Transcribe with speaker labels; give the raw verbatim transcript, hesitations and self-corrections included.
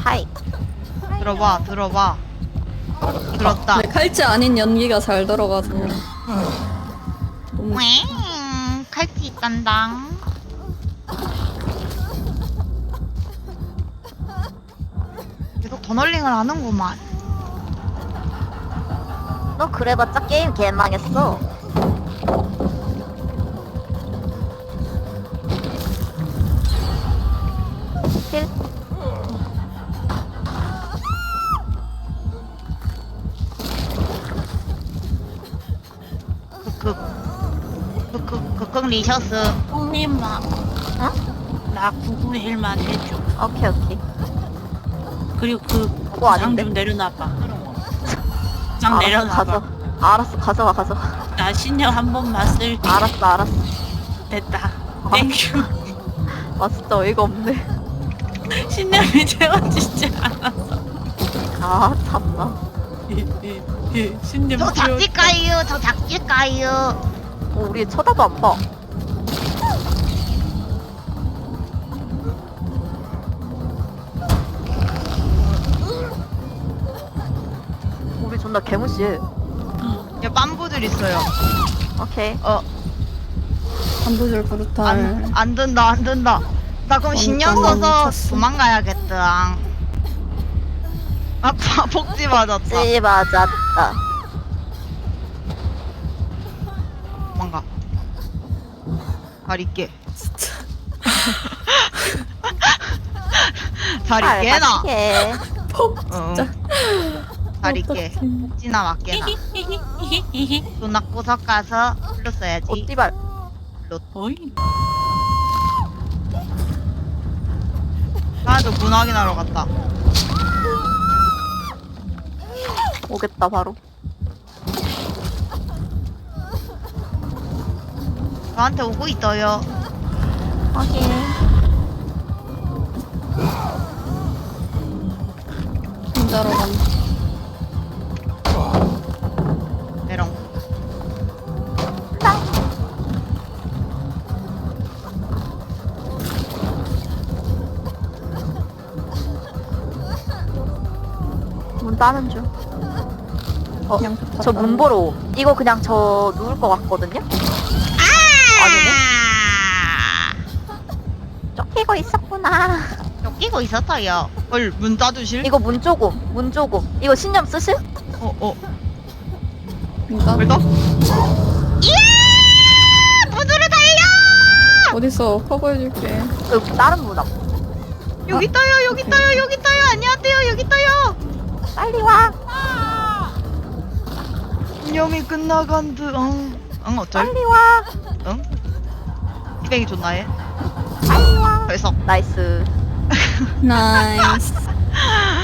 Speaker 1: 하이.
Speaker 2: 들어봐, 들어봐. 들었다.
Speaker 3: 네, 칼치 아닌 연기가 잘 들어가서. 너무
Speaker 2: 왱, 칼치 있단당. 계속 더널링을 하는구만.
Speaker 1: 너 그래봤자 게임 개망했어. 힐.
Speaker 2: 극극. 극극, 극극 리셔스.
Speaker 4: 형님아,
Speaker 1: 응?
Speaker 4: 나 구구일만 해줘.
Speaker 1: 오케이 오케이.
Speaker 4: 그리고 그
Speaker 1: 그거
Speaker 4: 장
Speaker 1: 아닌데?
Speaker 4: 좀 내려놔봐. 장
Speaker 1: 알았어,
Speaker 4: 내려놔봐.
Speaker 1: 가져. 알았어 가져가 가져가.
Speaker 4: 나 신념 한 번만 쓸게.
Speaker 1: 알았어 알았어.
Speaker 4: 됐다.
Speaker 1: 아.
Speaker 4: 땡큐.
Speaker 1: 아 진짜 어이가 없네.
Speaker 4: 신념이 채워지지 않았어.
Speaker 1: 아 참나.
Speaker 4: 신념
Speaker 2: 저
Speaker 4: 채워.
Speaker 2: 작질까요? 저 작질까요?
Speaker 1: 어, 우리 쳐다도 안 봐. 우리 존나 개무시해.
Speaker 2: 야, 빰부들 있어요.
Speaker 1: 오케이.
Speaker 2: 어,
Speaker 3: 반부줄 브루탈.
Speaker 2: 안, 안 된다, 안 된다. 나 그럼 신경
Speaker 3: 멈췄어,
Speaker 2: 써서
Speaker 3: 멈췄어.
Speaker 2: 도망가야겠다. 아, 복지 맞았다.
Speaker 1: 찌 맞았다.
Speaker 2: 도망가. 잘 있게.
Speaker 3: 진짜.
Speaker 2: 잘 있게나.
Speaker 1: 해.
Speaker 2: 응. 잘 있게.
Speaker 3: 어떡해.
Speaker 2: 복지나 맞게나. 돈 낳고 섞어서 풀로 써야지.
Speaker 1: 어띠발.
Speaker 4: 어이.
Speaker 2: 하나도 문 확인하러 갔다.
Speaker 1: 오겠다 바로.
Speaker 2: 저한테 오고 있어요.
Speaker 1: 확인.
Speaker 3: 진짜로 간다.
Speaker 2: 메롱.
Speaker 1: 문 따는 중. 어,
Speaker 3: 그냥
Speaker 1: 저 문 보러 옴. 이거 그냥 저 누울 것 같거든요? 아니네? 쫓기고 있었구나.
Speaker 2: 쫓기고 있었어요. 헐, 문 따두실?
Speaker 1: 이거 문 조금, 문 조금. 이거 신념 쓰실?
Speaker 2: 어, 어.
Speaker 3: 그러니까
Speaker 2: 벌떡? 이야! 문으로 달려!
Speaker 3: 어딨어? 커버해줄게.
Speaker 1: 그 다른 문 앞.
Speaker 2: 여기 있어요, 여기 있어요, 여기 있어요. 안녕하세요, 여기 있어요.
Speaker 1: 빨리 와.
Speaker 2: 운영이 끝나간 듯. 응. 응, 어쩔?
Speaker 1: 빨리 와.
Speaker 2: 응? 피뱅이 좋나 해?
Speaker 1: 빨리 와.
Speaker 2: 벌써.
Speaker 1: 나이스.
Speaker 3: 나이스.